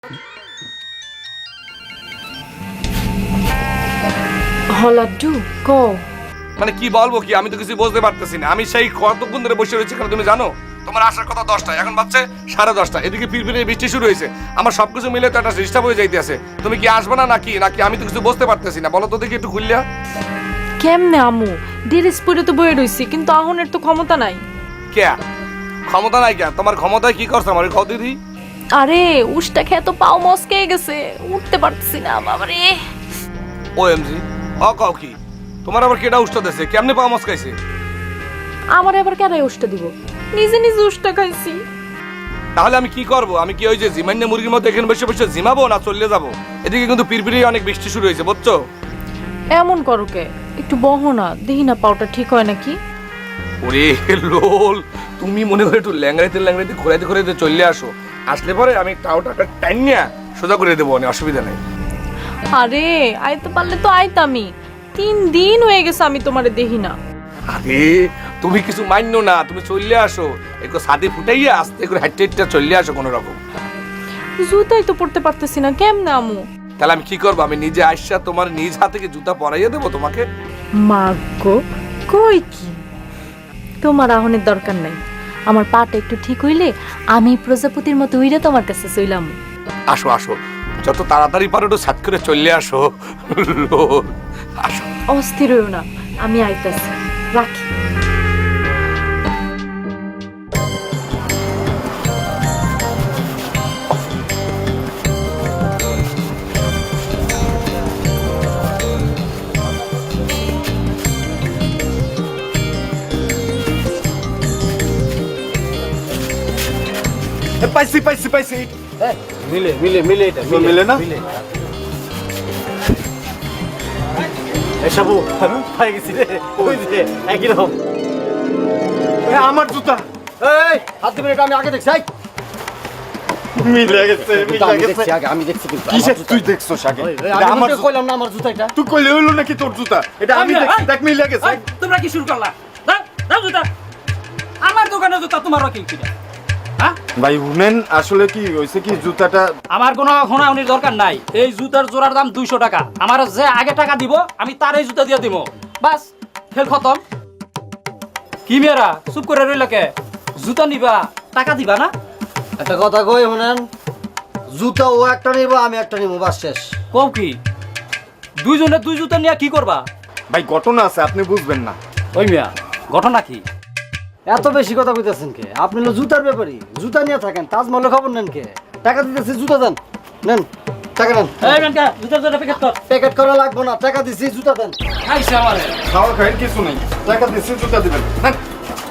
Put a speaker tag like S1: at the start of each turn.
S1: হলাড্ডু কো
S2: মানে কি বলবো কি, আমি তো কিছু বুঝতে পারতেছি না। আমি সেই কতক্ষণ ধরে বসে রয়েছি, কারণ তুমি জানো তোমার আসার কথা 10টায়, এখন বাজছে 10:30। এদিকে ফিরফিরে বৃষ্টি শুরু হয়েছে, আমার সবকিছু মিলে তো একটা ডিস্টার্ব হয়ে যাইতে আছে। তুমি কি আসবে না নাকি নাকি আমি তো কিছু বুঝতে পারতেছি না, বলো তো দেখি একটু খুললিয়া।
S1: কেমনে আমু ড্রেস পরে তো বয়ে রইছি, কিন্তু আহনের তো ক্ষমতা নাই।
S2: কে ক্ষমতা নাই? কে তোমার ক্ষমতায় কি করছে আমার কত দিদি?
S1: আরে উষ্টা খেয়ে তো পাও মস্কে গেছে, উঠতে পারতেছি না বাবারে।
S2: OMG, কাও কি তোমার আবার কেডা উষ্টা দেছে? কেমনে পাওয়া মাছ খাইছে?
S1: আমার এবার কেনাই উষ্টা দিব, নিজে নিজে উষ্টা খাইছি।
S2: তাহলে আমি কি করব? আমি কি ওই যে জিমান্য মুরগির মতো এখানে বসে বসে জিমাবো না চলে যাবো? এদিকে কিন্তু পিরপিরি অনেক বৃষ্টি শুরু হয়েছে, বুঝছো?
S1: এমন করো কে, একটু বহো না, দেখি না পাওটা ঠিক হয় নাকি।
S2: ওরে লোল, তুমি মনে করে একটু ল্যাংড়াইতে ল্যাংড়াইতে ঘোরাইতে ঘোরাইতে চলে আসো। আসলে পরে আমি টাওটা টাইনিয়া সোজা করে দেবো, অনেক অসুবিধা নেই।
S1: আরে আইতে পারলে তো আইতামি, 3 দিন হয়ে গেছে আমি তোমারে দেখি না।
S2: আরে তুমি কিছু মান্য না, তুমি চলে আসো, একটু ছাদে ফুটাইয়া আস্তে করে হাইটে হাইটে চলে আসো কোনো রকম।
S1: জুতাই তো পড়তে পারতেছি না, কেমনে আমু?
S2: তাহলে আমি কি করবো? আমি নিজে আইসা তোমার নিজ হাতে কি জুতা পরাইয়া দেবো তোমাকে?
S1: মাগো কই কি, তোমার আহনের দরকার নাই। আমার পাটা একটু ঠিক হইলে আমি প্রজাপতির মতো উইরে তোমার কাছে চইলাম।
S2: আসো আসো, যত তাড়াতাড়ি পারো একটু ছাদ করে চলে আসো। লোল, আসো।
S1: অস্থির হইও না, আমি আইতাছি, রাখি।
S3: পাইছি পাইছি পাইছি।
S4: মিলে মিলে মিলে এটা
S3: মিলে না?
S4: এসব পাই গেছি রে, ওই যে একই রকম।
S3: আমার জুতা
S4: এই হাত দিবেন, এটা আমি আগে দেখছি। এই
S3: মিলে গেছে, মিলে গেছে।
S4: আমি দেখছি কিন্তু
S3: কিসে তুই দেখছস আগে?
S4: আমি
S3: আমার
S4: তো কইলাম না আমার জুতা এটা।
S3: তুই কইলে হইলো নাকি তোর জুতা? এটা আমি দেখছি, দেখ মিলে গেছে।
S5: তোমরা কি শুরু করলা? দাও জুতা। আমার দোকানে জুতা তোমার কি কিনা? হ্যাঁ,
S3: ভাই শুনেন, আসলে কি হইছে কি জুতাটা
S5: আমার কোনো হোনাউনির দরকার নাই। এই জুতার জোড়ার দাম 200 টাকা। আমার যে আগে টাকা দিব আমি তার এই জুতা দিয়ে দিব, বাস খেল খতম। কি মেয়েরা চুপ করে রইল কে? জুতা নিবা, টাকা দিবা না?
S4: একটা কথা কই শুনেন, জুতা ও একটা নিব, আমি একটা নিব, বাস শেষ।
S5: কও কি দুইজনে দুই জুতা নিয়ে কি করবা?
S3: ভাই ঘটনা আছে, আপনি বুঝবেন না।
S5: ওই মিয়া ঘটনা কি?
S4: এত বেশি কথা কইতেছেন কে? আপনি হলো জুতার ব্যাপারী, জুতা নিয়ে থাকেন, তাজমহলে খবর নেন কে? টাকা দিতেছি, জুতা দেন, নেন টাকা নেন।
S5: এই মেনকা জুতার জোড়া প্যাকেট কর।
S4: প্যাকেট করা লাগবো না, টাকা দিছি, জুতা দেন।
S5: খাইছে আমারে।
S3: খাওয়া খাইয়ের কিছু নাই, টাকা দিচ্ছি জুতা দিবেন। হ্যাঁ